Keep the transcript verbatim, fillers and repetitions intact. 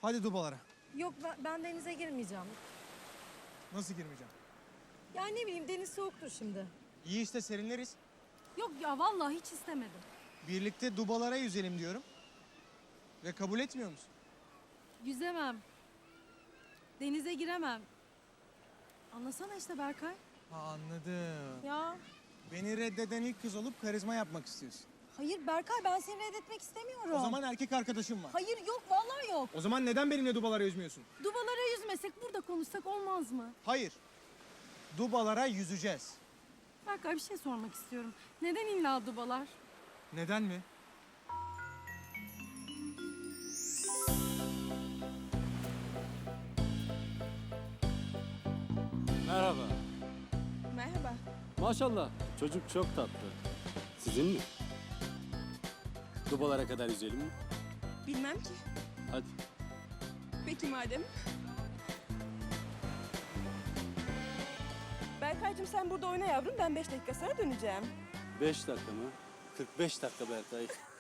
Hadi dubalara. Yok ben, ben denize girmeyeceğim. Nasıl girmeyeceğim? Ya ne bileyim deniz soğuktur şimdi. İyi işte serinleriz. Yok ya vallahi hiç istemedim. Birlikte dubalara yüzelim diyorum. Ve kabul etmiyor musun? Yüzemem. Denize giremem. Anlasana işte Berkay. Ha, anladım. Ya Beni reddeden ilk kız olup karizma yapmak istiyorsun. hayır Berkay ben seni reddetmek istemiyorum. O zaman erkek arkadaşım var. Hayır yok vallahi yok. O zaman neden benimle dubalara yüzmüyorsun? Dubalara yüzmesek burada konuşsak olmaz mı? Hayır. Dubalara yüzeceğiz. Berkay bir şey sormak istiyorum. Neden illa dubalar? Neden mi? Merhaba. Merhaba. Maşallah çocuk çok tatlı. Sizin mi? Dubalara kadar yüzelim mi? Bilmem ki. Hadi. Peki madem. Berkaycığım sen burada oyna yavrum. Ben beş dakika sonra döneceğim. Beş dakika mı? Kırk beş dakika Berkay.